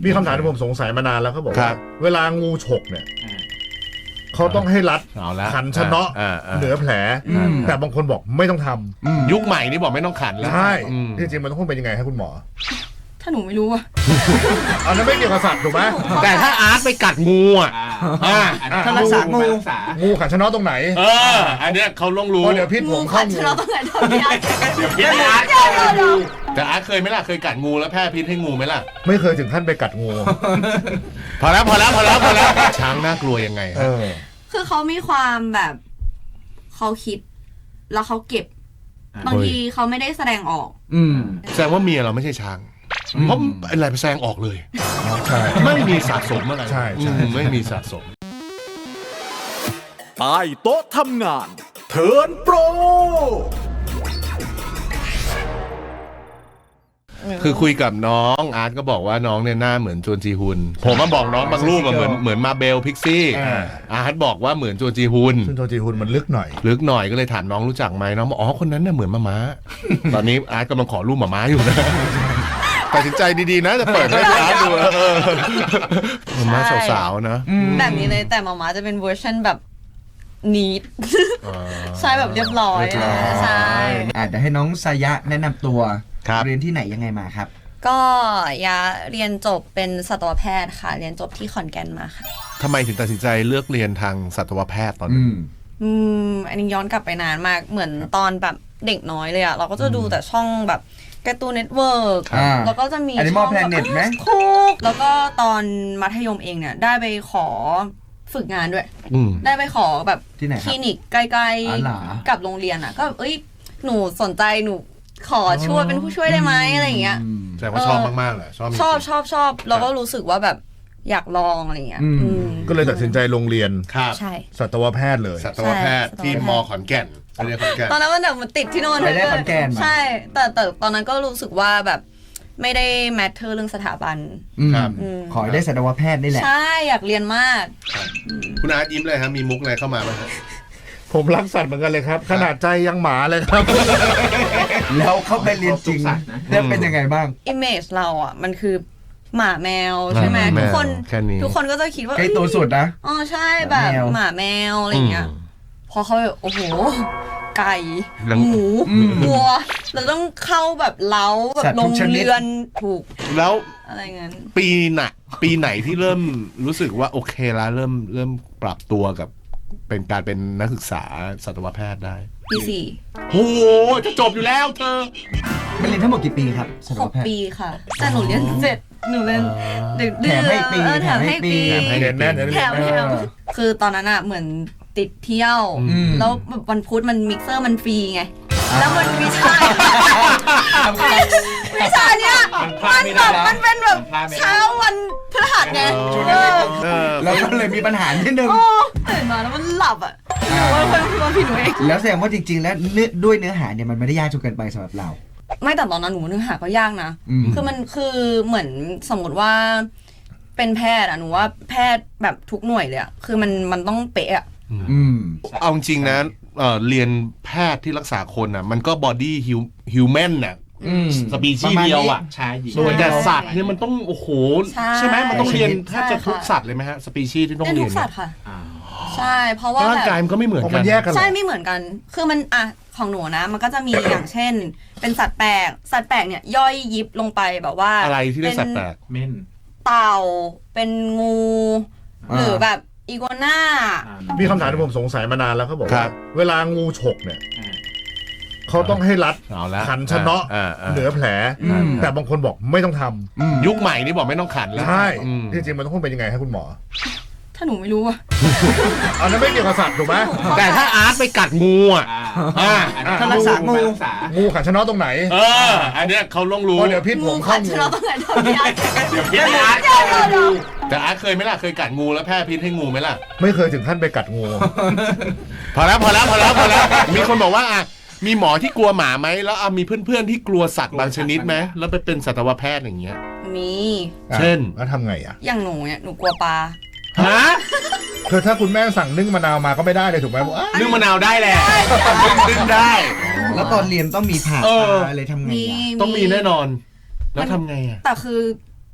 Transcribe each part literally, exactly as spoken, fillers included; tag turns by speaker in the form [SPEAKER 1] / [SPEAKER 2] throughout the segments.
[SPEAKER 1] มีคำถามที่ผมสงสัยมานานแล้วเขาบอกว่าเวลางูฉกเนี่ยเขาต้องให้รัดขันชะเนาะเหนือแผลแต่บางคนบอกไม่ต้องทำ
[SPEAKER 2] ยุคใหม่นี่บอกไม่ต้องขันแล้ว
[SPEAKER 1] ใช่จริงๆมันต้องเป็นยังไงครับคุณหมอ
[SPEAKER 3] ถ้าหนูไม่รู้อะ
[SPEAKER 1] อันนั้นไม่เกี่ยวกับสัตว์ถูกไหม
[SPEAKER 2] แต่ถ้าอาร์ตไปกัดงูอ่ะ
[SPEAKER 1] ถ้ารักษางูงูขันชะเนาะตรงไหน
[SPEAKER 2] เอออันเนี้ยเขาต้องรู้
[SPEAKER 1] เดี๋ยวพิษผมเข้างู
[SPEAKER 3] ขันชะเนาะตรงไหนตรงนี้
[SPEAKER 2] เดี๋ยวพิษอาร์ตแต่อาร์ตเคยไหมล่ะเคยกัดงูแล้วแพร่พิษให้งูไหมล่ะ
[SPEAKER 1] ไม่เคยถึงขั้นไปกัดงู
[SPEAKER 2] พอแล้วพอแล้วพอแล้วพอแล้วช้างน่ากลัวยังไงครับ
[SPEAKER 3] คือเขามีความแบบเขาคิดแล้วเขาเก็บบางทีเขาไม่ได้แสดงออก
[SPEAKER 2] อืมแสดงว่าเมียเราไม่ใช่ช้างเพราะอะไรไปแสดงออกเลยใช่ไม่มีสะสมอะไร
[SPEAKER 1] ใช่ใช่
[SPEAKER 2] ไม่มีสะสม
[SPEAKER 4] ใต้โต๊ะทำงานเทิร์นโปร
[SPEAKER 2] คือคุยกับน้องอาร์ตก็บอกว่าน้องเนี่ยหน้าเหมือนจวนจีฮุนผมมาบอกน้องบางรูปเหมือนเหมือนมาเบลพิกซี่อาร์ตบอกว่าเหมือนจวนจีฮุน
[SPEAKER 1] ซึ่งจวนจีฮุนมันลึกหน่อย
[SPEAKER 2] ลึกหน่อยก็เลยถามน้องรู้จักไหมน้องบอกอ๋อคนนั้นน่ะเหมือนมาม้าตอนนี้อาร์ตกำลังขอรูปมาม้าอยู่นะตัดสินใจดีๆนะจะเปิดให้อาร์ตดูมาม้าสาวๆนะ
[SPEAKER 3] แบบนี้เลยแต่มาม้าจะเป็นเวอร์ชันแบบนีดใช่แบบเรียบร้อยใช่
[SPEAKER 5] เดี๋ยวให้น้องสายะแนะนำตัวเรียนที่ไหนยังไงมาครับ
[SPEAKER 3] ก็ยาเรียนจบเป็นสัตวแพทย์ค่ะเรียนจบที่ขอนแก่นมาค่ะ
[SPEAKER 2] ทำไมถึงตัดสินใจเลือกเรียนทางสัตวแพทย์ตอนนี้
[SPEAKER 3] อืมอันนี้ย้อนกลับไปนานมากเหมือนตอนแบบเด็กน้อยเลยอะเราก็จะดูแต่ช่องแบบการ์ตูนเน็ตเวิร์กแล้วก็จะมี
[SPEAKER 5] ช่องแบบ
[SPEAKER 3] คุกแล้วก็ตอนมัธยมเองเนี่ยได้ไปขอฝึกงานด้วยได้ไปขอแบบคลินิกใกล้ๆกับโรงเรียนอะก็เอ้ยหนูสนใจหนูขอช่วยเป็นผู้ช่วยได้ไหมอะไรอย่างเงี้ย
[SPEAKER 2] แสดงว่าชอบมากๆเลย
[SPEAKER 3] ชอบชอบชอบชอบแล้วก็รู้สึกว่าแบบอยากลองอะไรเงี้ย
[SPEAKER 1] ก็เลยตัดสินใจลงเรียน
[SPEAKER 3] ใช่
[SPEAKER 1] สัตวแพทย์เลย
[SPEAKER 2] สัตวแพทย์ที่มอขอนแก่น
[SPEAKER 3] ตอนนั้นมันแบบมันติดที่โน่น
[SPEAKER 5] ไปได้ขอนแก่น
[SPEAKER 3] ใช่แต่แต่ตอนนั้นก็รู้สึกว่าแบบไม่ได้แมทเทอร์เรื่องสถาบัน
[SPEAKER 5] ขอได้สัตวแพทย์นี่แหละ
[SPEAKER 3] ใช่อยากเรียนมาก
[SPEAKER 2] คุณอาร์ตยิ้มเลยครับมีมุกอะไรเข้ามาไหมครับ
[SPEAKER 1] ผมรักสัตว์เหมือนกันเลยครับขนาดใจยังหมาเลยครับ
[SPEAKER 5] แล้วเข้าไปเรียนจริงแล้วเป็นยังไงบ้าง
[SPEAKER 3] อิมเมจเราอ่ะมันคือหมาแมวใช่ไหมทุกคนทุกคนก็จะคิดว่า
[SPEAKER 5] ใกล้ตัวสุดนะ
[SPEAKER 3] อ๋อใช่แบบหมาแมวอะไรเงี้ยพอเขาโอ้โหไก่หมูวัวเราต้องเข้าแบบเล้าแบบโรงเรือนถูก
[SPEAKER 2] แล้ว
[SPEAKER 3] อะไรเงี้ย
[SPEAKER 2] ปีไหนปีไหนที่เริ่มรู้สึกว่าโอเคแล้วเริ่มเริ่มปรับตัวกับเป็นการเป็นนักศึกษาสัตวแพทย์ได้
[SPEAKER 3] ปีสี่
[SPEAKER 2] โอ้โหจะจบอยู่แล้วเธอ
[SPEAKER 5] มันเรียนทั้งหมดกี่ปีครับ
[SPEAKER 3] หกปีค่ะแต่หนูเรียนเจ็ดหนูเรียนเดือน
[SPEAKER 5] แถมให้ปี
[SPEAKER 3] แถมให้ปี
[SPEAKER 1] เรียนแน่น
[SPEAKER 3] แถมแถมคือตอนนั้นอะเหมือนติดเที่ยวแล้ววันพุธมันมิกเซอร์มันฟรีไงแล้วมันวิชาวิชาเนี้ยมันแบบมันเป็นแบบเช้าวันพฤหัสไง
[SPEAKER 5] แล้วก็เลยมีปัญหานิดนึง
[SPEAKER 3] ตื่นมาแล้วมันหลับอ่ะว่าคนคนผิดหนูเอง
[SPEAKER 5] แล้วแสดงว่าจริงๆแล้วด้วยเนื้อหาเนี่ยมันไม่ได้ยากจนเกินไปสำหรับเรา
[SPEAKER 3] ไม่แต่ตอนนั้นหนูเนื้อหาก็ยากนะคือมันคือเหมือนสมมติว่าเป็นแพทย์อะหนูว่าแพทย์แบบทุกหน่วยเลยอะคือมันมันต้องเป๊ะอะ
[SPEAKER 2] เอาจริงนะเอ่อเรียนแพทย์ที่รักษาคนอ่ะมันก็บอดี้ฮิวแมนน่ะสปีชีส์เดียวอ่ะ
[SPEAKER 5] ใช่
[SPEAKER 2] ส่วนแต่สัตว์เนี่ยมันต้องโอ้โหใช่ไหมมันต้องเรียนแทบจะทุกสัตว์เลยไหมฮะสปีชีส์ที่ต้องเรียน
[SPEAKER 3] ทุกสัตว์ค่ะใช่เพราะว่า
[SPEAKER 2] ร่างกายมันก็ไม่เหมือนกัน
[SPEAKER 3] ใช่ไม่เหมือนกันคือมันอ่ะของหนูนะมันก็จะมีอย่างเช่นเป็นสัตว์แปลกสัตว์แปลกเนี่ยย่อยยิบลงไปแบบว่า
[SPEAKER 2] อะไรที่เรียกสัตว์แปลก
[SPEAKER 5] เม่น
[SPEAKER 3] เต่าเป็นงูหรือแบบอีกัวน่า
[SPEAKER 1] มีคำถามที่ผมสงสัยมานานแล้วเขาบอกว่าเวลางูฉกเนี่ยเขาต้องให้รัดขันชะเนาะเหนือแผลแต่บางคนบอกไม่ต้องท
[SPEAKER 2] ำยุคใหม่นี่บอกไม่ต้องขันแล้ว
[SPEAKER 1] ใช่จริงๆมันต้องเป็นยังไงครับคุณหมอ
[SPEAKER 3] ถ้าหนูไม่รู้อะ
[SPEAKER 1] อันนั้นไม่เกี่ยวกับสัตว์ถูกไหม
[SPEAKER 2] แต่ถ้าอาร์ตไปกัดงูอ่ะ
[SPEAKER 5] ถ้ารักษางู
[SPEAKER 1] งูขันชะเนาะตรงไหน
[SPEAKER 2] เอออันเนี้ยเขาต้องรู้
[SPEAKER 1] เดี๋ยวพิษผมเข้างู
[SPEAKER 3] ขันชะเนาะตรงไหนตรงนี้
[SPEAKER 2] เดี๋ยวพิษอาร์ตแต่อาร์ตเคยไหมล่ะเคยกัดงูแล้วแพร่พิษให้งูไหมล่ะ
[SPEAKER 1] ไม่เคยถึงขั้นไปกัดงู
[SPEAKER 2] พอแล้วพอแล้วพอแล้วพอแล้วมีคนบอกว่าอ่ะมีหมอที่กลัวหมาไหมแล้วมีเพื่อนๆที่กลัวสัตว์บางชนิดไหมแล้วไปเป็นสัตวแพทย์อย่างเงี้ย
[SPEAKER 3] มี
[SPEAKER 2] เช่น
[SPEAKER 1] แล้วทำไงอ่ะ
[SPEAKER 3] อย่างหนูเนี่ยหนูกลัวปลา
[SPEAKER 2] ฮะ
[SPEAKER 1] คือถ้าคุณแม่สั่งนึ่งมะนาวมาก็ไม่ได้เลยถูกไหม
[SPEAKER 2] นึ่งมะนาวได้แหละนึ่งได้
[SPEAKER 5] แล้วตอนเรียนต้องมีผ่าอะไรทำไง
[SPEAKER 2] ต้องมีแน่นอนแล้วทำไงอ่ะ
[SPEAKER 3] แต่คือ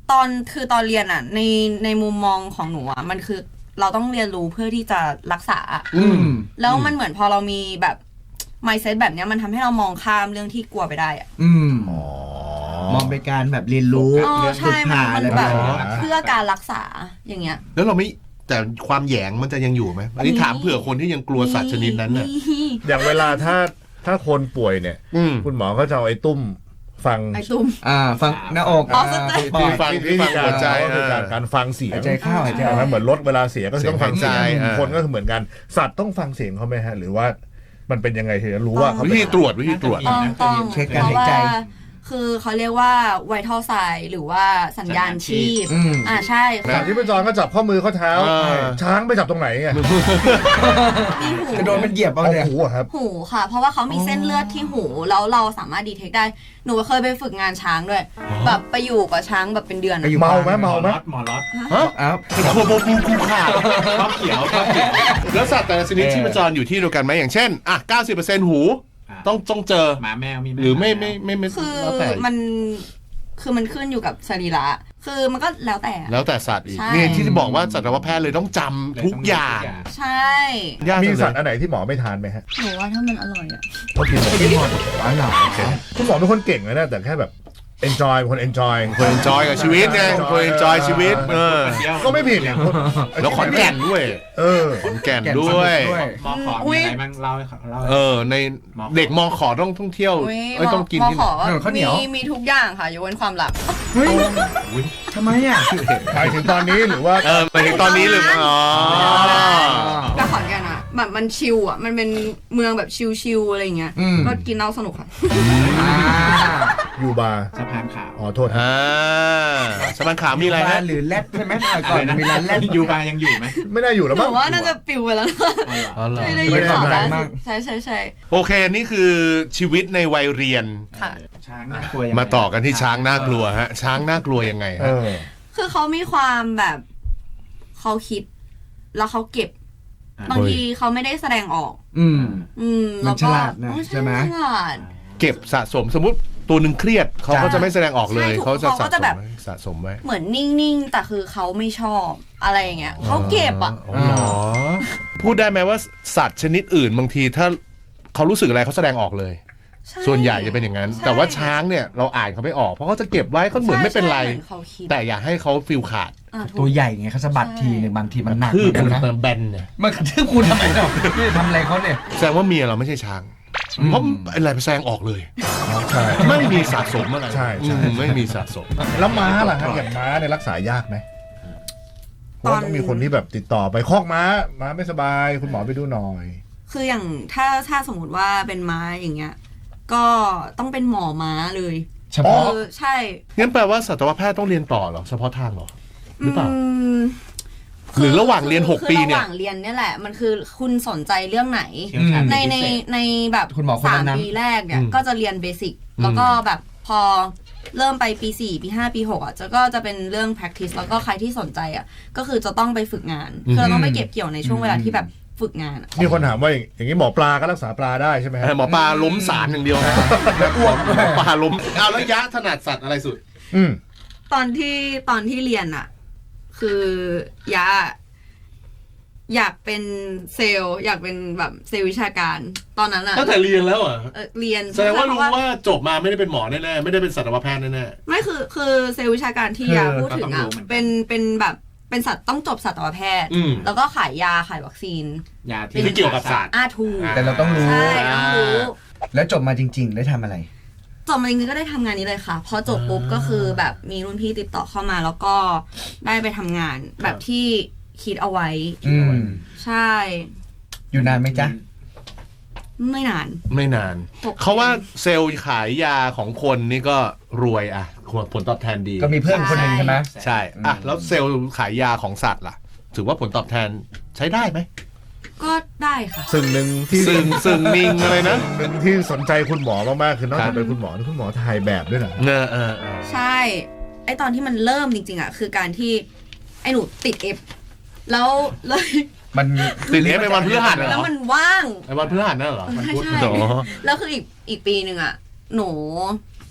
[SPEAKER 3] ตอนคือตอนเรียนอ่ะในในมุมมองของหนูอ่ะมันคือเราต้องเรียนรู้เพื่อที่จะรักษาอืมแล้วมันเหมือนพอเรามีแบบ mindset แบบเนี้ยมันทำให้เรามองข้ามเรื่องที่กลัวไปได้อ่ะ
[SPEAKER 5] อืมมองเป็นการแบบเรียนรู้
[SPEAKER 3] ฝึกหาอะไรแบบเพื่อการรักษาอย่างเงี้ย
[SPEAKER 2] แล้วเราไม่แต่ความแหยงมันจะยังอยู่ไหมอันนี้ถามเผื่อคนที่ยังกลัวสัตว์ชนิดนั้นน่ะ
[SPEAKER 1] อย่างเวลาถ้าถ้าคนป่วยเนี่ยคุณหมอก็จะเอาไอ้ตุ้มฟัง
[SPEAKER 3] ไอ้ตุ้ม
[SPEAKER 5] อ่าฟังหน้าอก
[SPEAKER 1] ที่ฟังที่ฟังหัวใจการฟังเสียง
[SPEAKER 5] หายใจเข้าหายใจออก
[SPEAKER 1] เหมือนรถเวลาเสียก็ต้องฟังเสียงคนก็เหมือนกันสัตว์ต้องฟังเสียงเขาไหมฮะหรือว่ามันเป็นยังไงถึงจะรู้ว่า
[SPEAKER 2] วิธีตรวจวิธีตรวจ
[SPEAKER 3] ต้อง
[SPEAKER 5] เช็คการหายใจ
[SPEAKER 3] คือเขาเรียกว่าไวทัลไซน์หรือว่าสัญญาณชีพอ่าใช่
[SPEAKER 1] สัตว์ที่ไปจอนก็จับข้อมือข้อเท้าช้างไปจับตรงไหนไง
[SPEAKER 5] จะโดนมันเหยียบเอาเนี่ย
[SPEAKER 1] หูครับ
[SPEAKER 3] หูค่ะเพราะว่าเขามีเส้นเลือดที่หูแล้วเราสามารถดีเทคได้หนูเคยไปฝึกงานช้างด้วยแบบไปอยู่กับช้างแบบเป็นเดือน
[SPEAKER 1] เมาไหมเมาไหม
[SPEAKER 6] หมอล็อต
[SPEAKER 2] ฮะอ้าวโคโบบูคูขา
[SPEAKER 6] ชอบเขียวชอบเขียว
[SPEAKER 2] แล้วสัตว์แต่ละชนิดที่ประจรอยู่ที่เดียวกันไหมอย่างเช่นอ่ะ เก้าสิบเปอร์เซ็นต์ หูต้องต้องเจอ
[SPEAKER 6] หมาแมวมี
[SPEAKER 2] หรือไม่ไม่ไม่ไม่
[SPEAKER 3] คือมันคือมันขึ้นอยู่กับสรีระคือมันก็แล้วแต่
[SPEAKER 2] แล้วแต่สัตว์อีกนี่ที่จะบอกว่าสัตวแพทย์เลยต้องจำทุกอย่าง
[SPEAKER 3] ใช่
[SPEAKER 1] มีสัตว์อันไหนที่หมอไม่ทานไหมฮะ
[SPEAKER 3] หนูว่าถ้ามันอร่อยอ่ะ
[SPEAKER 1] ก็กินกินหมดหวานหนาคุณหมอเป็นคนเก่งเลยนะแต่แค่แบบ enjoy คน enjoy
[SPEAKER 2] คน enjoy กับชีวิตไงคน enjoy ชีวิตเออ
[SPEAKER 1] ก็ไม่ผิดเนี่ย
[SPEAKER 2] แล้วขอนแก่นด้วยเออขอนแก่นด้วย
[SPEAKER 6] มอขอมีอะไรบ้างเล่าให้เล่า
[SPEAKER 2] เออในเด็กมอขอต้องท่องเที่ยวไม่ต้องกินที่
[SPEAKER 3] มีมีทุกอย่างค่ะยกเว้นความลับ
[SPEAKER 5] เฮ้ยทำไมอ่ะ
[SPEAKER 1] หมายถึงตอนนี้หรือว่า
[SPEAKER 2] เออหมายถึงตอนนี้หรืออ๋อ
[SPEAKER 3] ก็ขอนแก่นอ่ะแบบมันชิลอ่ะมันเป็นเมืองแบบชิลๆอะไรเงี้ยก็กินเหล้าสนุกค่ะ
[SPEAKER 1] ยูบาร์
[SPEAKER 6] สะพานขาว
[SPEAKER 1] อ๋อโทษ
[SPEAKER 2] อ่าสะพานขาวมีอะไรฮะ
[SPEAKER 5] หรือแรดใช่ไหมก่อนมีร้านแรด
[SPEAKER 6] ยูบาร์ยังอยู่ไหม
[SPEAKER 1] ไม่ได้อยู่แล้ว
[SPEAKER 3] มั้งว่าน่าจะปิวไปแล้วไม่ได้อยู่ต่อแล้วใช่ใช่ใช่
[SPEAKER 2] โอเคนี่คือชีวิตในวัยเรียน
[SPEAKER 3] ค่ะ
[SPEAKER 6] ช้างน่ากลัว
[SPEAKER 2] มาต่อกันที่ช้างน่ากลัวฮะช้างน่ากลัวยังไงฮะ
[SPEAKER 3] คือเขามีความแบบเขาคิดแล้วเขาเก็บบางทีเขาไม่ได้แสดงออก
[SPEAKER 5] อืม
[SPEAKER 3] อืม
[SPEAKER 5] มันฉลาดนะใช่ไหม
[SPEAKER 2] เก็บสะสมสมมุติตัวหนึ่งเครียดเขาก็จะไม่แสดงออกเลยเขาจะสะสมสะสมไว้
[SPEAKER 3] เหมือนนิ่งๆแต่คือเขาไม่ชอบอะไรอย่างเงี้ยเขาเก็บอ่ะ
[SPEAKER 2] พูดได้ไหมว่าสัตว์ชนิดอื่นบางทีถ้าเขารู้สึกอะไรเขาแสดงออกเลยส่วนใหญ่จะเป็นอย่างนั้นแต่ว่าช้างเนี่ยเราอ่านเขาไม่ออกเพราะเขาจะเก็บไว้เขาเหมือนไม่เป็นไรแต่อยากให้เขาฟีลขาด
[SPEAKER 5] ตัวใหญ่ไงเขาสะบัดทีหนึ่งบางทีมันหนัก
[SPEAKER 2] คือคุณแบนเนี่ย
[SPEAKER 5] มันกระทืบคุณทำไมเนาะนี่ทำอะไรเขาเนี่ย
[SPEAKER 2] แสดงว่าเมียเราไม่ใช่ช้างเพราะอะไรไปแสดงออกเลย
[SPEAKER 1] ใช่
[SPEAKER 2] ไม่มีสะสมอะไร
[SPEAKER 1] ใช่
[SPEAKER 2] ไม่มีสะสม
[SPEAKER 1] แล้วม้าล่ะครับอย่างม้าเนี่ยรักษายากไหมเพราะต้องมีคนที่แบบติดต่อไปคอกม้าม้าไม่สบายคุณหมอไปดูหน่อย
[SPEAKER 3] คืออย่างถ้าถ้าสมมติว่าเป็นม้าอย่างเงี้ยก็ต้องเป็นหมอม้าเลย
[SPEAKER 2] เฉพาะ
[SPEAKER 3] ใช่
[SPEAKER 2] งั้นแปลว่าสัตวแพทย์ต้องเรียนต่อเหรอเฉพาะทางเหรอหรือเปล่าหรือระหว่างเรียนหกปีเนี่ย
[SPEAKER 3] ระหว่างเรียนเนี่ยแหละมันคือคุณสนใจเรื่องไหนในในในแบบสามปีแรกเนี่ยก็จะเรียนเบสิกแล้วก็แบบพอเริ่มไปปีสี่ปีห้าปีหกอ่ะจะก็จะเป็นเรื่อง practice แล้วก็ใครที่สนใจอ่ะก็คือจะต้องไปฝึกงานคือเราต้องไปเก็บเกี่ยวในช่วงเวลาที่แบบฝึกงาน
[SPEAKER 1] มีคนถามว่าอย่างนี้หมอปลาก็รักษาปลาได้ใช่ไหมฮะ
[SPEAKER 2] หมอปลาล้มสารอย่างเดียวนะอ้วกหมอปลาล้มเอาแล้วยะถนัดสัตว์อะไรสุด
[SPEAKER 1] อืม
[SPEAKER 3] ตอนที่ตอนที่เรียนอ่ะคือยะอยากเป็นเซลล์อยากเป็นแบบเซลล์วิชาการตอนนั้นอะ
[SPEAKER 2] ตั้งแต่เรียนแล้วอ่ะ
[SPEAKER 3] เรียน
[SPEAKER 2] แสดงว่ารู้ว่าจบมาไม่ได้เป็นหมอแน่ๆไม่ได้เป็นสัตวแพทย์แน่
[SPEAKER 3] ๆไม่คือคือเซลล์วิชาการที่ยาพูดถึงอ่ะเป็นเป็นแบบเป็นสัตว์ต้องจบสัตวแพทย์แล้วก็ขายยาขายวัคซีน
[SPEAKER 6] ยา
[SPEAKER 2] ที่เกี่ยวกับสัตว์
[SPEAKER 3] อาทู
[SPEAKER 5] แต่เราต้องรู้
[SPEAKER 3] ใช่ต้องรู้
[SPEAKER 5] แล้วจบมาจริงๆได้ทำอะไร
[SPEAKER 3] จบมาจริงๆก็ได้ทำงานนี้เลยค่ะพอจบปุ๊บก็คือแบบมีรุ่นพี่ติดต่อเข้ามาแล้วก็ได้ไปทำงานแบบที่คิดเอาไว้ใช่
[SPEAKER 5] อยู่นานไหมจ๊ะ
[SPEAKER 3] ไม่นาน
[SPEAKER 2] ไม่นานเขาว่าเซลล์ขายยาของคนนี่ก็รวยอะผลตอบแทนดี
[SPEAKER 5] ก็มีเพื่อนคนหนึ่งใช่ไหม
[SPEAKER 2] ใช่อ่ะแล้วเซลล์ขายยาของสัตว์ล่ะถือว่าผลตอบแทนใช้ได้ไหม
[SPEAKER 3] ก็ได้ค่ะ
[SPEAKER 1] ซึ่งหนึ่งที่
[SPEAKER 2] ซึ่งซึ่งมิงอะไรนะ
[SPEAKER 1] หนึ่งที่สนใจคุณหมอมากๆคือนอกจากเป็นคุณหมอคุณหมอถ่ายแบบด้วยนะ
[SPEAKER 2] เออเออ
[SPEAKER 3] ใช่ไอตอนที่มันเริ่มจริงๆอะคือการที่ไอหนูติดเอฟแล้วเลย
[SPEAKER 5] มัน
[SPEAKER 2] ติดเอฟไปวันพฤหัส
[SPEAKER 3] แล้วมันว่าง
[SPEAKER 2] ไอวันพฤหัสนั่นเหรอ
[SPEAKER 3] ใช่ใช่แล้วคืออีกอีกปีหนึ่งอะหนู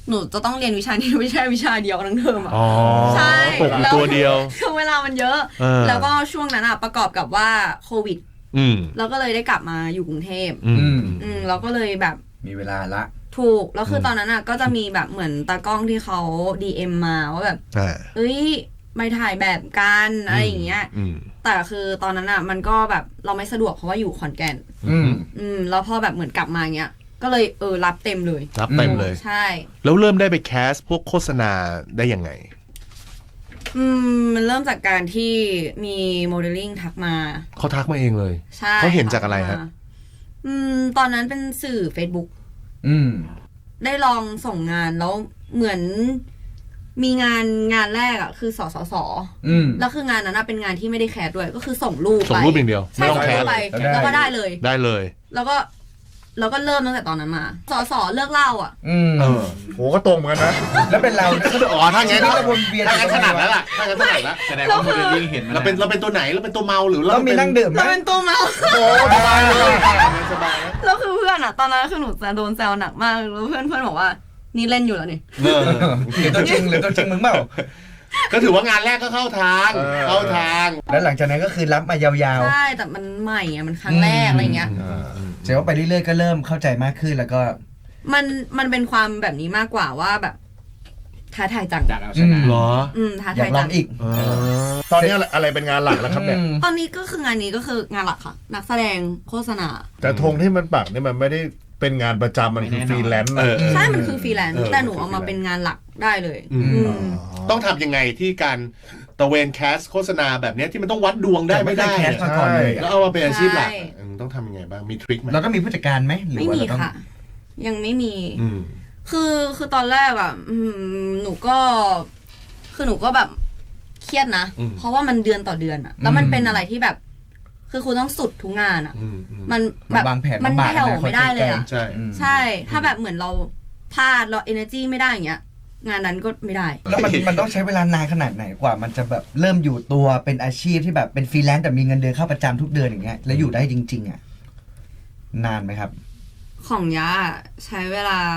[SPEAKER 3] หนูจะต้องเรียนวิชานี้ไม่ใช่วิชาเดียวทั้งเทอมอ่ะ
[SPEAKER 2] อ๋อ
[SPEAKER 3] ใช่
[SPEAKER 2] ตกอยู่ตัวเดียว
[SPEAKER 3] คือเวลามันเยอะ
[SPEAKER 2] เออ
[SPEAKER 3] แล้วก็ช่วงนั้นอ่ะประกอบกับว่าโควิด
[SPEAKER 2] อืม
[SPEAKER 3] เราก็เลยได้กลับมาอยู่กรุงเทพ
[SPEAKER 2] อืม
[SPEAKER 3] อืมเราก็เลยแบบ
[SPEAKER 5] มีเวลาละ
[SPEAKER 3] ถูกแล้วคือตอนนั้นอ่ะก็จะมีแบบเหมือนตากล้องที่เขา ดี เอ็ม มาว่าแบบ
[SPEAKER 2] อ่า
[SPEAKER 3] เอ้ยไม่ถ่ายแบบกันอะไรอย่างเงี้ย
[SPEAKER 2] อืม
[SPEAKER 3] แต่คือตอนนั้นอ่ะมันก็แบบเราไม่สะดวกเพราะว่าอยู่ขอนแก่น
[SPEAKER 5] อืม
[SPEAKER 3] อืมแล้วพอแบบเหมือนกลับมาเงี้ยก็เลยเออรับเต็มเลย
[SPEAKER 2] รับเต็มเลย
[SPEAKER 3] ใช่
[SPEAKER 2] แล้วเริ่มได้ไปแคสพวกโฆษณาได้ยังไง
[SPEAKER 3] อืมมันเริ่มจากการที่มีโมเดลลิ่งทักมา
[SPEAKER 2] เขาทักมาเองเลย
[SPEAKER 3] ใช่
[SPEAKER 2] เขาเห็นจากอะไรฮะ
[SPEAKER 3] ทัมาอืมตอนนั้นเป็นสื่อ Facebook
[SPEAKER 5] อืม
[SPEAKER 3] ได้ลองส่งงานแล้วเหมือนมีงานงานแรกอ่ะคือสสส
[SPEAKER 5] อืม
[SPEAKER 3] แล้วคืองานนั้นอะเป็นงานที่ไม่ได้แคสด้วยก็คือส่งรูปไป
[SPEAKER 2] ส่งรูปอย่างเดียว
[SPEAKER 3] ใช่
[SPEAKER 2] ไม่ต้อง
[SPEAKER 3] ส่ง
[SPEAKER 2] แค
[SPEAKER 3] รู
[SPEAKER 2] ส
[SPEAKER 3] ปไป
[SPEAKER 5] แล้วได้
[SPEAKER 3] แล้วก็ได้เลย
[SPEAKER 2] ได้เลย
[SPEAKER 3] แล้วก็แล้วก็เริ่มตั้งแต่ตอนนั้นมาสสเลิกเล่าอ่ะ
[SPEAKER 5] อืม
[SPEAKER 2] เออ
[SPEAKER 1] โหก็ตรงเหมือนกันนะ
[SPEAKER 5] แล้วเป็นเรา
[SPEAKER 2] อ๋อถ้างั้น
[SPEAKER 5] ชีวิตเราวนเวียน
[SPEAKER 2] ถ้างั้นถนัดแล้วล่ะถ้างั้นถนัดแล้ว
[SPEAKER 6] แสดงว่าโมเดลลิ่งเห็นมา
[SPEAKER 2] เราเป็นเราเป็นตัวไหนเราเป็นตัวเมาหรือ
[SPEAKER 5] เรามีนั่งดื่มไหม
[SPEAKER 3] เราเป็นตัวเมา
[SPEAKER 2] โอ้สบายเลยสบายนะ
[SPEAKER 3] แล้วคือเพื่อนอ่ะ ตอนนั้นคือหนูจะโดนแซวหนักมากแล้วเพื่อนเพื่อนบอกว่านี่เล่นอยู่แล้วนี่
[SPEAKER 2] เออ
[SPEAKER 5] หรือตัวจริงหรือตัวจริงมึงเปล่า
[SPEAKER 2] ก็ถือว่างานแรกก็เข้าทาง
[SPEAKER 1] เออ
[SPEAKER 2] เข้าทาง
[SPEAKER 5] แล้วหลังจากนั้นก็คือรับมายาว
[SPEAKER 3] ใช่แต่มันใหม่อะมันครั้งแรกอะไรเงี้ย
[SPEAKER 5] ๆเสร็จว่าไปเรื่อยๆก็เริ่มเข้าใจมากขึ้นแล้วก็
[SPEAKER 3] มันมันเป็นความแบบนี้มากกว่าว่าแบบท้าทายจัง
[SPEAKER 6] จากเอาชนะ
[SPEAKER 2] เหรอ
[SPEAKER 3] อืมท้า
[SPEAKER 5] อยา
[SPEAKER 3] ทาก ย
[SPEAKER 5] ลอ
[SPEAKER 3] จั
[SPEAKER 5] ง
[SPEAKER 3] ง
[SPEAKER 5] อีก
[SPEAKER 2] เออ
[SPEAKER 1] ตอนนี้อะไรอะไรเป็นงานหลักแล้วครับเนี่ย
[SPEAKER 5] อืม
[SPEAKER 3] ตอนนี้ก็คืองานนี้ก็คืองานหลักค่ะ นักแสดงโฆษณา
[SPEAKER 1] แต่ธงที่มันปักนี่มันไม่ได้เป็นงานประจำมันคือฟรีแลนซ์
[SPEAKER 2] เออ
[SPEAKER 3] ใช่มันคือฟรีแลนซ์
[SPEAKER 2] เออ
[SPEAKER 3] แต่หนูเอามาเป็นงานหลักได้เลย
[SPEAKER 2] อืม
[SPEAKER 3] อืม
[SPEAKER 2] ต้องทำยังไงที่การตะเวนแคสโฆษณาแบบเนี้ยที่มันต้องวัดดวงได้ไม่ได้
[SPEAKER 5] แต่ไม่เคยแคสมาก่อนเลย
[SPEAKER 2] แล้วเอามาเป็นอาชีพหลัก
[SPEAKER 3] ใช่
[SPEAKER 2] อืมต้องทำยังไงบ้างมีทริคไหม
[SPEAKER 5] แล้วก็มีผู้จัดการไหมหรือ
[SPEAKER 3] ไม่
[SPEAKER 5] ว่า
[SPEAKER 3] มี
[SPEAKER 5] เราต้อง
[SPEAKER 3] ค่ะ ยังไม่มี
[SPEAKER 2] อืม
[SPEAKER 3] คือคือตอนแรกอ่ะอืมหนูก็ คือหนูก็แบบเครียดนะ
[SPEAKER 2] อืม
[SPEAKER 3] เพราะว่ามันเดือนต่อเดือนอ่ะ แล้วมันเป็นอะไรที่แบบ คือคุณต้องสุดทุกงานอ่ะ
[SPEAKER 2] อืมอืม
[SPEAKER 3] มัน
[SPEAKER 5] มั
[SPEAKER 3] แบ
[SPEAKER 5] น
[SPEAKER 3] บ
[SPEAKER 5] วางแผน
[SPEAKER 3] มัน
[SPEAKER 5] ลำบาก
[SPEAKER 3] แผ่ว
[SPEAKER 5] นะ
[SPEAKER 3] ไม่ได้เลยอ่ะ
[SPEAKER 2] ใช่
[SPEAKER 5] อืม
[SPEAKER 3] ใช่ ถ้าแบบเหมือนเราพลาดเรา energy ไม่ได้อย่างเงี้ย งานนั้นก็ไม่ได้
[SPEAKER 5] แล้วมันมันต้องใช้เวลานานขนาดไหนกว่า มันจะแบบเริ่มอยู่ตัวเป็นอาชีพที่แบบเป็นฟรีแลนซ์แต่มีเงินเดือนเข้าประจำทุกเดือนอย่างเงี้ยแล้วอยู่ได้จริง ๆอ่ะนานไหมครับ
[SPEAKER 3] ของยะใช้เวลา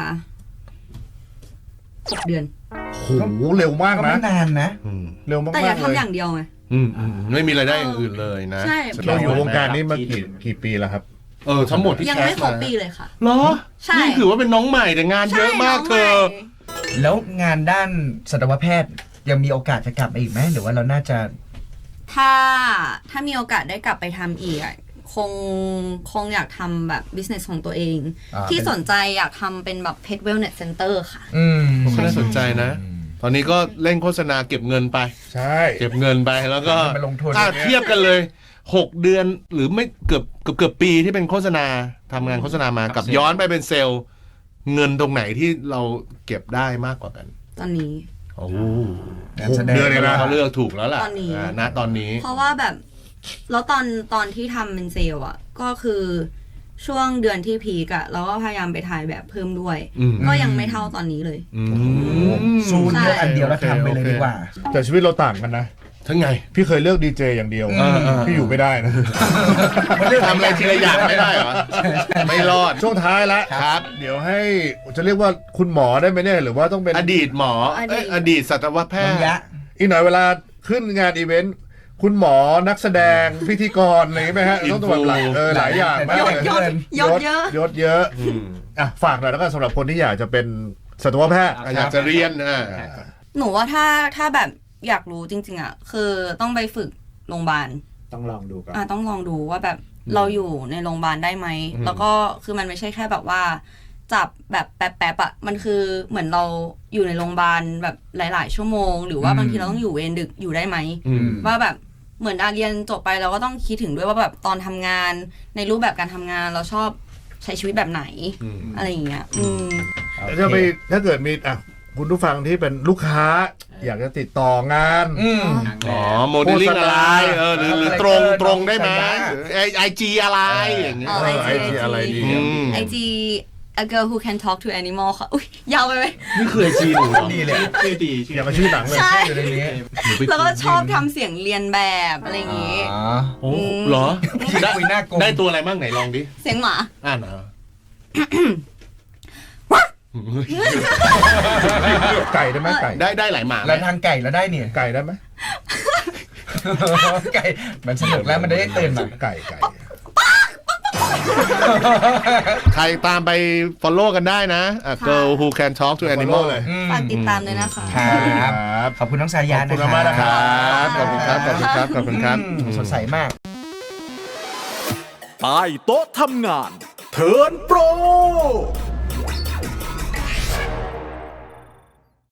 [SPEAKER 3] หกเดือน
[SPEAKER 1] โหเร็วมาก
[SPEAKER 5] ก็
[SPEAKER 1] นะ
[SPEAKER 5] ไม่นานนะ
[SPEAKER 2] อืม
[SPEAKER 1] เร็วมาก
[SPEAKER 3] แต่อย่า
[SPEAKER 1] ๆเล
[SPEAKER 3] ทำ
[SPEAKER 1] ย
[SPEAKER 3] อย่างเดียวไง
[SPEAKER 2] อืมอืมไม่มีรายได้อย่างอื่นเลยนะ
[SPEAKER 3] ใช่
[SPEAKER 1] เราอยู่วงการนี้มากี่กี่ปีแล้วครับ
[SPEAKER 2] เออทั้งหมดที่
[SPEAKER 3] ยัง
[SPEAKER 2] แค
[SPEAKER 3] ไม่
[SPEAKER 2] ส
[SPEAKER 3] ครบ
[SPEAKER 2] มา
[SPEAKER 3] ปีเลยค่ะ
[SPEAKER 2] เหรอ
[SPEAKER 3] ใช่
[SPEAKER 2] นี่ถือว่าเป็นน้องใหม่แต่งานเยอะมากเธอ
[SPEAKER 3] ใช่น้งใหม่
[SPEAKER 5] แล้วงานด้านสัตวแพทย์ยังมีโอกาสจะกลับมาอีกไหมหรือว่าเราน่าจะ
[SPEAKER 3] ถ้าถ้ามีโอกาสได้กลับไปทำอีกอะคงคงอยากทำแบบ business ของตัวเอง
[SPEAKER 5] อ่า
[SPEAKER 3] ที่สนใจอยากทำเป็นแบบ pet wellness center ค่ะ
[SPEAKER 5] อืม
[SPEAKER 2] ก็น่าสนใจนะ ตอนนี้ก็เล่นโฆษณาเก็บเงินไป
[SPEAKER 1] ใช่
[SPEAKER 2] เก็บเงินไปแล้วก็
[SPEAKER 5] ไปลงทุน
[SPEAKER 2] อ่ะเทียบกันเลยหกเดือนหรือไม่เกือบเกือบเกือบปีที่เป็นโฆษณาทำงานโฆษณามากับย้อนไปเป็นเซลล์ เงินตรงไหนที่เราเก็บได้มากกว่ากัน
[SPEAKER 3] ตอนนี้
[SPEAKER 2] โอ้
[SPEAKER 5] งานแสดง
[SPEAKER 1] เดือนเลยนะ
[SPEAKER 2] เขาเลือกถูกแล้วล่ะ
[SPEAKER 3] ตอนนี้
[SPEAKER 2] าณตอนนี้
[SPEAKER 3] เพราะว่าแบบแล้วตอนตอนที่ทำเป็นเซลล์อ่ะ ก็คือช่วงเดือนที่พีกอะเราก็พยายามไปถ่ายแบบเพิ่มด้วย
[SPEAKER 2] อืม
[SPEAKER 3] ก็ยังไม่เท่าตอนนี้เลย
[SPEAKER 2] อืม
[SPEAKER 5] ซูนเลือกอันเดียวแล้วทำไปเลยดีกว่า
[SPEAKER 1] แต่ชีวิตเราต่างกันนะ
[SPEAKER 2] ทั้งไง
[SPEAKER 1] พี่เคยเลือกดีเจอย่างเดียว
[SPEAKER 2] อืมอืม
[SPEAKER 1] พี่อยู่ไม่ได้นะ
[SPEAKER 2] มันเลือกทำอะไรทีละอย่างไม่ได้เหรอไม่รอด
[SPEAKER 1] ช่วงท้ายละ
[SPEAKER 2] ครับ
[SPEAKER 1] เดี๋ยวให้จะเรียกว่าคุณหมอได้ไหมเนี่ยหรือว่าต้องเป็น
[SPEAKER 2] อดีตหมอ
[SPEAKER 3] อดีต
[SPEAKER 2] เอ้ยอดีตสัตวแพ
[SPEAKER 5] น้
[SPEAKER 2] ท
[SPEAKER 5] อง
[SPEAKER 2] ย์
[SPEAKER 5] ยะ
[SPEAKER 1] อีกหน่อยเวลาขึ้นงานอีเวนต์คุณหมอนักแสดงพิธีกรอะไรอย่างงี้ไหมฮะต้องตัวแบบหลายเออหลายอย่างมาก
[SPEAKER 3] ย
[SPEAKER 1] เล
[SPEAKER 3] ศ
[SPEAKER 1] ย
[SPEAKER 3] ยศยศเยอะ
[SPEAKER 1] ยศเยอะ
[SPEAKER 2] อืม
[SPEAKER 1] อ่ะฝากหน่อยแล้วก็สำหรับคนที่อยากจะเป็นสัตวแพทย์
[SPEAKER 2] อ่ะอยากจะเรียนอ่ะ
[SPEAKER 3] หนูว่าถ้าถ้าแบบอยากรู้จริง ๆอะคือต้องไปฝึกโรงพยาบาล
[SPEAKER 6] ต้องลองดูก่อน
[SPEAKER 3] อ่ะต้องลองดูว่าแบบเราอยู่ในโรงพยาบาลได้ไหม
[SPEAKER 2] อืม
[SPEAKER 3] แล้วก็คือมันไม่ใช่แค่แบบว่าจับแบบแป๊บๆอ่ะมันคือเหมือนเราอยู่ในโรงพยาบาลแบบหลาย ๆ ชั่วโมง หรือว่า
[SPEAKER 5] อืม
[SPEAKER 3] บางทีเราต้องอยู่เวรดึกอยู่ได้ไหม
[SPEAKER 2] อืม
[SPEAKER 3] ว่าแบบเหมือนอาเรียนจบไปเราก็ต้องคิดถึงด้วยว่าแบบตอนทำงานในรูปแบบการทำงานเราชอบใช้ชีวิตแบบไหน
[SPEAKER 2] อืม
[SPEAKER 3] อะไรอย่างเงี้ยอืม
[SPEAKER 1] จะไปถ้าเกิดมีอ่ะคุณผู้ฟังที่เป็นลูกค้า อยากจะติดต่องาน
[SPEAKER 5] อืม
[SPEAKER 2] อ๋อโมเดลลิ่งอะไรเออหรือหรือตรงตรงได้ไหมไอไอจีอะไรอย่างเงี้ย
[SPEAKER 3] อ๋อ
[SPEAKER 1] เออไอจีอะไรดี
[SPEAKER 2] อืม
[SPEAKER 3] ไอจี a girl who can talk to animal ค่ะอุ้ยยาวไปไหม
[SPEAKER 2] นี่คือไอจีหนูเหรอ
[SPEAKER 5] ดีเลย
[SPEAKER 6] ชื่อดีชื่อ
[SPEAKER 1] อย่ามาชื่อหนังเลย
[SPEAKER 3] ใช่
[SPEAKER 5] อยู่ในนี้
[SPEAKER 3] แล้วก็ชอบทำเสียงเรียนแบบอะไรอย่างงี้
[SPEAKER 5] อ๋อ
[SPEAKER 2] โอ้เหรอ
[SPEAKER 5] ได้คุยหน้ากลม
[SPEAKER 2] ได้ตัวอะไรบ้างไหนลองดิ
[SPEAKER 3] เสียงหมา
[SPEAKER 2] อ่านเหรอ
[SPEAKER 1] ไก่ได้ไหมไก่
[SPEAKER 2] ได้ได้หลายหมา
[SPEAKER 5] แล้วทางไก่แล้วได้เนี่ย
[SPEAKER 1] ไก่ได้ไหม
[SPEAKER 5] ไก่มันสนุกแล้วมันได้ตื่นมา
[SPEAKER 1] ไก่ไก่
[SPEAKER 2] ใครตามไป follow กันได้นะอ่ะ Girl Who Can Talk to Animal
[SPEAKER 1] เลย
[SPEAKER 3] ฝากติดตามด้วยนะคะ
[SPEAKER 5] ครับขอบคุณน้องสายา
[SPEAKER 1] ขอบคุณ
[SPEAKER 5] นะ
[SPEAKER 1] มากนะ
[SPEAKER 5] ค
[SPEAKER 1] ครั
[SPEAKER 5] รับ
[SPEAKER 2] ขอบคุณครับ ขอบคุณครับ ขอบคุณครับ
[SPEAKER 5] อืมสดใสมาก
[SPEAKER 4] ใต้โต๊ะทำงาน เทิร์นโปร